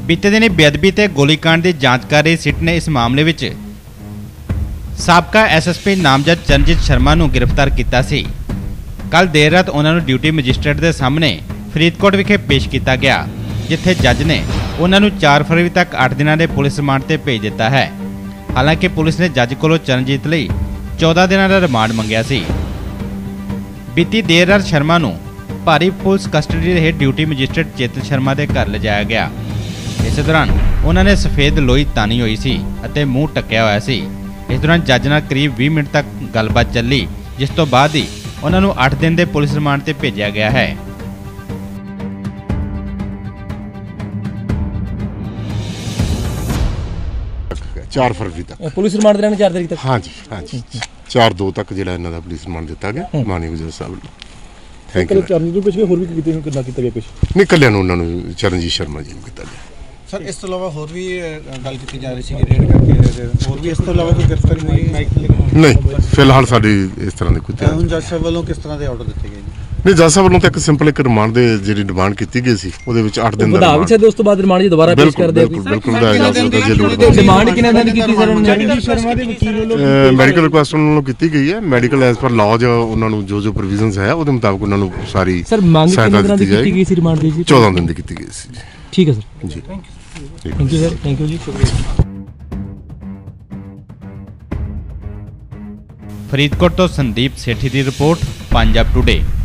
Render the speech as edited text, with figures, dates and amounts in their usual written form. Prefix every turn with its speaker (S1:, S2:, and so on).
S1: बीते दिनी बेअदबी ते गोलीकांड की जांच कर रही सिट ने इस मामले विच साबका SSP नामजद चरणजीत शर्मा नूं गिरफ्तार किया सी। कल देर रात उन्होंने ड्यूटी मजिस्ट्रेट के सामने फरीदकोट विखे पेश किया गया, जिथे जज ने उन्होंने 4 फरवरी तक 8 दिनों के पुलिस रिमांड से भेज दिता है। हालांकि पुलिस ने जज कोलों चरणजीत लई 14 दिनों का रिमांड मंगया सी। बीती देर रात शर्मा नूं भारी पुलिस कस्टडी रहे ड्यूटी मजिस्ट्रेट चेतन शर्मा के घर लिजाया गया। इस दौरान उन्होंने सफेद लोई तानी हुई सी अते मूँह टक्या होया सी। इस दौरान जज नाल करीब 20 मिनट तक गलबात चली, जिस तो बाद ही उन्होंने 8 दिन के पुलिस रिमांड से भेजा गया है।
S2: 4 फरवरी तक
S3: पुलिस रिमांड देना 4 तारीख तक।
S2: हाँ जी 4/2 तक जो इन्हों का पुलिस रिमांड दिता गया माननीय जज साहब ने। Thank you. नहीं कलिया उन्होंने चरणजीत शर्मा जी किया गया।
S4: सर इस तो इलावा होर भी गल की जा रही थी रेड करके होर भी इस तो इलावा कोई गिरफ्तारी हुई
S2: नहीं फिलहाल साडी इस तरह की कोई
S4: हुण जज साहब वालों किस तरह के ऑर्डर दिए गए?
S2: नहीं जज साहब वालों तो एक सिंपल एक रिमांड दे जी डिमांड की गई सी ਉਹਦੇ ਵਿੱਚ 8 ਦਿਨ ਦਾ
S3: ਵਧਾ ਵੀ ਸਕਦੇ ਉਸ ਤੋਂ ਬਾਅਦ ਰਿਮਾਂਡ ਜੀ ਦੁਬਾਰਾ ਪੇਸ਼ ਕਰ ਦਿਓ।
S2: ਬਿਲਕੁਲ ਵਧਾਇਆ ਜਾ ਸਕਦਾ ਜੇ ਲੋੜ ਪਵੇ।
S3: ਡਿਮਾਂਡ ਕਿੰਨੇ ਦਿਨ ਦੀ ਕੀਤੀ ਸਰ ਉਹਨਾਂ ਨੇ?
S4: ਸ਼ਰਮਾ ਦੇ ਵਕੀਲ ਵੱਲੋਂ
S2: ਮੈਡੀਕਲ ਰਿਕੁਐਸਟ ਉਹਨਾਂ ਨੂੰ ਕੀਤੀ ਗਈ ਹੈ। ਮੈਡੀਕਲ ਐਸ ਪਰ ਲਾਅ ਉਹਨਾਂ ਨੂੰ ਜੋ ਪ੍ਰੋਵੀਜ਼ਨਸ ਹੈ ਉਹਦੇ ਮੁਤਾਬਕ ਉਹਨਾਂ ਨੂੰ ਸਾਰੀ
S3: ਸਰ ਮੰਗ ਕਿੰਨੇ ਦਿਨਾਂ ਦੀ ਕੀਤੀ ਗਈ ਸੀ ਰਿਮਾਂਡ ਦੀ ਜੀ?
S2: 14 ਦਿਨ ਦੀ ਕੀਤੀ ਗਈ ਸੀ ਜੀ।
S3: ਠੀਕ ਹੈ sir
S2: ji
S3: thank you sir thank you ji.
S1: Faridkot तो संदीप सेठी की रिपोर्ट, पंजाब टुडे।